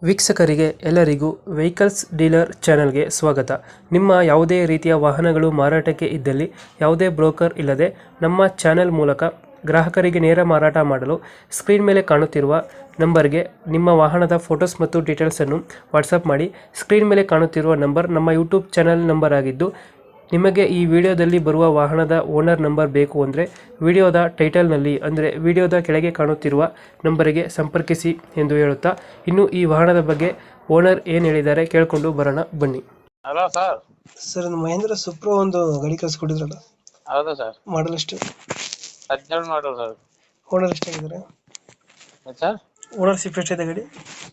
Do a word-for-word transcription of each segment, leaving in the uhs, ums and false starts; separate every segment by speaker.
Speaker 1: ವೀಕ್ಷಕರಿಗೆ ಎಲ್ಲರಿಗೂ vehicles dealer ಚಾನೆಲ್ಗೆ ಸ್ವಾಗತ. ನಿಮ್ಮ ಯಾವುದೇ ರೀತಿಯ ವಾಹನಗಳು ಮಾರಾಟಕ್ಕೆ ಇದ್ದಲ್ಲಿ ಯಾವುದೇ ಬ್ರೋಕರ್ ಇಲ್ಲದೆ ನಮ್ಮ ಚಾನೆಲ್ ಮೂಲಕ ಗ್ರಾಹಕರಿಗೆ ನೇರ ಮಾರಾಟ ಮಾಡಲು ಸ್ಕ್ರೀನ್ ಮೇಲೆ ಕಾಣುತ್ತಿರುವ ನಂಬರ್ಗೆ ನಿಮ್ಮ ವಾಹನದ ಫೋಟೋಸ್ ಮತ್ತು ಡೀಟೇಲ್ಸನ್ನು ವಾಟ್ಸಪ್ ಮಾಡಿ. ಸ್ಕ್ರೀನ್ ಮೇಲೆ ಕಾಣುತ್ತಿರುವ ನಂಬರ್ ನಮ್ಮ ಯೂಟ್ಯೂಬ್ ಚಾನೆಲ್ ನಂಬರ್ ಆಗಿದ್ದು, ನಿಮಗೆ ಈ ವಿಡಿಯೋದಲ್ಲಿ ಬರುವ ವಾಹನದ ಓನರ್ ನಂಬರ್ ಬೇಕು ಅಂದರೆ ವಿಡಿಯೋದ ಟೈಟಲ್ನಲ್ಲಿ ಅಂದರೆ ವಿಡಿಯೋದ ಕೆಳಗೆ ಕಾಣುತ್ತಿರುವ ನಂಬರಿಗೆ ಸಂಪರ್ಕಿಸಿ ಎಂದು ಹೇಳುತ್ತಾ, ಇನ್ನು ಈ ವಾಹನದ ಬಗ್ಗೆ ಓನರ್ ಏನು ಹೇಳಿದ್ದಾರೆ ಕೇಳಿಕೊಂಡು ಬರೋಣ ಬನ್ನಿ.
Speaker 2: Hello sir.
Speaker 1: Sir, Mahindra Supro ಒಂದು ಗಾಡಿ ಕಳಿಸ್ಕೊಟ್ಟಿದ್ರಲ್ಲ,
Speaker 2: ಹೌದು ಸರ್.
Speaker 1: ಮಾಡಲ್ ಎಷ್ಟು?
Speaker 2: ಹದಿನೇಳು ಮಾಡಲ್ ಸರ್.
Speaker 1: ಓನರ್ ಎಷ್ಟಾಗಿದ್ದಾರೆ
Speaker 2: ಸರ್?
Speaker 1: ಓನರ್ಶಿಪ್ ಎಷ್ಟಿದೆ ಗಾಡಿ?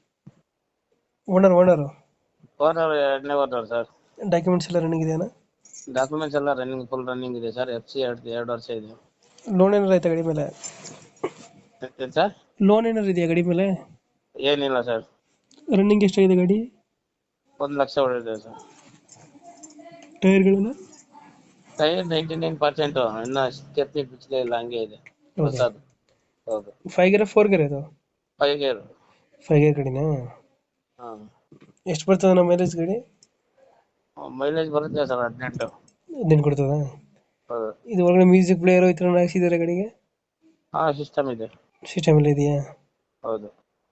Speaker 1: ಓನರ್ ಓನರು
Speaker 2: ಓನರ್ ಎರಡನೇ ಓನರ್ ಸರ್.
Speaker 1: ಡಾಕ್ಯುಮೆಂಟ್ಸ್ ಎಲ್ಲ ರನ್ನಿಂಗ್ ಇದೆಯಾ?
Speaker 2: ಡಾಕ್ಯುಮೆಂಟ್ಸ್ ಎಲ್ಲ ರನ್ನಿಂಗ್ ಫುಲ್ ರನ್ನಿಂಗ್ ಇದೆ ಸರ್. ಎಫ್ ಸಿ ಎರಡು ಎರಡು ವರ್ಷ ಇದೆ.
Speaker 1: ಲೋನ್ ಏನಾರು ಆಯ್ತಾ ಗಾಡಿ ಮೇಲೆ?
Speaker 2: ಏನ್ ಸರ್?
Speaker 1: ಲೋನ್ ಏನಾರು ಇದೆಯಾ ಗಾಡಿ ಮೇಲೆ?
Speaker 2: ಏನಿಲ್ಲ ಸರ್.
Speaker 1: ರನ್ನಿಂಗ್ ಎಷ್ಟಾಗಿದೆ ಗಾಡಿ?
Speaker 2: ಒಂದು ಲಕ್ಷ ಹೊಡೆದಿದೆ ಸರ್.
Speaker 1: ಟೈರ್ಗಳೆಲ್ಲ
Speaker 2: ಟೈರ್ ನೈಂಟಿ ನೈನ್ ಪರ್ಸೆಂಟ್ ಇನ್ನ ಸ್ಟೆಪ್ನಿ ಬಿಚ್ಚಲೇ ಇಲ್ಲ, ಹಂಗೆ ಇದೆ ಹೊಸದು. ಹೌದು.
Speaker 1: ಫೈವ್ ಗೇರ್ ಫೋರ್ ಗೇರ್ ಇದು?
Speaker 2: Five gear.
Speaker 1: ಫೈವ್ ಗೇರ್ ಗಾಡಿನಾ?
Speaker 2: ಹಾ.
Speaker 1: ಎಷ್ಟು ಬರ್ತದೆ ನಮ್ಮ ಮೈಲೇಜ್ ಗಾಡಿ?
Speaker 2: ಮೈಲೇಜ್ ಬರುತ್ತೆ ಸರ್ ಹದಿನೆಂಟು.
Speaker 1: ಹದಿನೆಂಟು ಕೊಡ್ತದ?
Speaker 2: ಹೌದು.
Speaker 1: ಇದು ಒಳಗಡೆ ಮ್ಯೂಸಿಕ್ ಪ್ಲೇಯರ್ ಈ ಥರ ಹಾಕ್ಸಿದ್ದಾರೆ ಗಾಡಿಗೆ?
Speaker 2: ಹಾ, ಸಿಸ್ಟಮ್ ಇದೆ.
Speaker 1: ಸಿಸ್ಟಮ್ ಎಲ್ಲ ಇದೆಯಾ?
Speaker 2: ಹೌದು.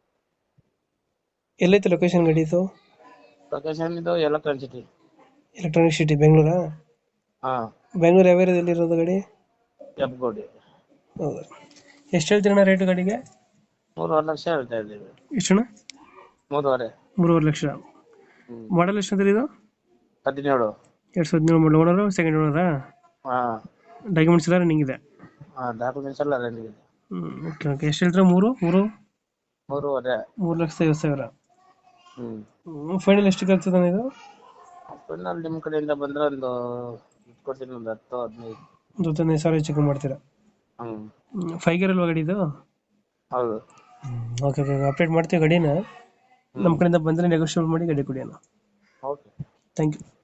Speaker 1: ಎಲ್ಲೈತೆ ಲೊಕೇಶನ್ ಗಾಡಿ ಇದು?
Speaker 2: ಲೊಕೇಶನ್ ಇದು ಎಲೆಕ್ಟ್ರಾನಿಕ್ ಸಿಟಿ.
Speaker 1: ಎಲೆಕ್ಟ್ರಾನಿಕ್ ಸಿಟಿ ಬೆಂಗಳೂರಾ?
Speaker 2: ಹಾ.
Speaker 1: ಬೆಂಗಳೂರು ಯಾವ ಏರಿಯಾದಲ್ಲಿ ಇರೋದು ಗಾಡಿ?
Speaker 2: ಎಬ್ಗೋಡಿ.
Speaker 1: ಹೌದಾ. ಎಷ್ಟು ಹೇಳ್ತೀರಣ್ಣ ರೇಟು ಗಾಡಿಗೆ?
Speaker 2: ಮೂರುವರೆ ಲಕ್ಷ ಹೇಳ್ತಾ ಇದ್ದೀವಿ.
Speaker 1: ಎಷ್ಟಣ್ಣ?
Speaker 2: ಮೂರುವರೆ.
Speaker 1: ಮೂರುವರೆ ಲಕ್ಷ.
Speaker 2: ಹ್ಮ್.
Speaker 1: ಮಾಡಲ್ ಎಷ್ಟು ಅಂದ್ರೆ ಇದು?
Speaker 2: ಹದಿನೇಳು.
Speaker 1: ಎರಡು ಸಾವಿರದ ಹದಿನೇಳು ಮಾಡಲ್. Owner second ಓನರಾ?
Speaker 2: ಹಾ.
Speaker 1: ಡಾಕ್ಯುಮೆಂಟ್ಸ್ ಎಲ್ಲ ರನ್ನಿಂಗ್ ಇದೆ?
Speaker 2: ಹಾ, ಡಾಕ್ಯುಮೆಂಟ್ಸ್ ಎಲ್ಲ ರನ್ನಿಂಗ್ ಇದೆ.
Speaker 1: ಹ್ಞೂ ಓಕೆ ಓಕೆ. ಎಷ್ಟು ಹೇಳ್ತೀರಾ? ಮೂರು ಮೂರು
Speaker 2: ಮೂರುವರೆ.
Speaker 1: ಮೂರು ಲಕ್ಷದ ಐವತ್ತು ಸಾವಿರ.
Speaker 2: ಹ್ಮ್.
Speaker 1: ಹ್ಞೂ ಫೈನಲ್ ಎಷ್ಟು ಆಗ್ತದೆ ಇದು?
Speaker 2: ಫೈನಲ್ ನಿಮ್ಮ ಕಡೆಯಿಂದ ಬಂದ್ರೆ ಒಂದು ಕೊಡ್ತೀನಿ, ಒಂದು ಹತ್ತು ಹದಿನೈದು.
Speaker 1: ಒಂದು ಹದಿನೈದು ಸಾವಿರ ಹೆಚ್ಚು ಕಮ್ಮಿ ಮಾಡ್ತೀರಾ?
Speaker 2: ಹ್ಮ್.
Speaker 1: ಫೈವ್ ಗೇರ್ ಅಲ್ವಾ ಗಾಡಿ ಇದು?
Speaker 2: ಹೌದು.
Speaker 1: Okay okay. ಅಪ್ಡೇಟ್ ಮಾಡ್ತೀವಿ ಗಾಡಿನ. ನಮ್ಮ ಕಡೆಯಿಂದ ಬಂದರೆ ನೆಗೋಷಿಯೇಟ್ ಮಾಡಿ ಗಾಡಿ ಕೊಡಿ ಅಣ್ಣ.
Speaker 2: ಓಕೆ.
Speaker 1: Thank you.